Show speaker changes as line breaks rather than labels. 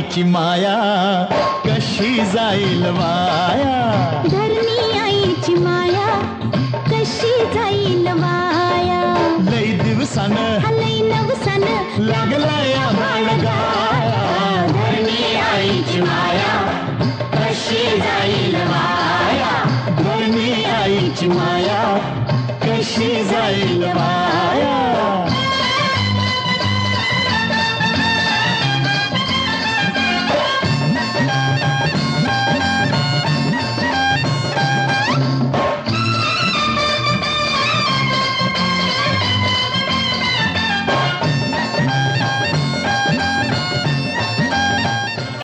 आईची माया कशी जाईल वाया,
धरणी आईची माया कशी जाईल वाया.
लई दिवसानं
लई नवसानं
लागला या बाळगा.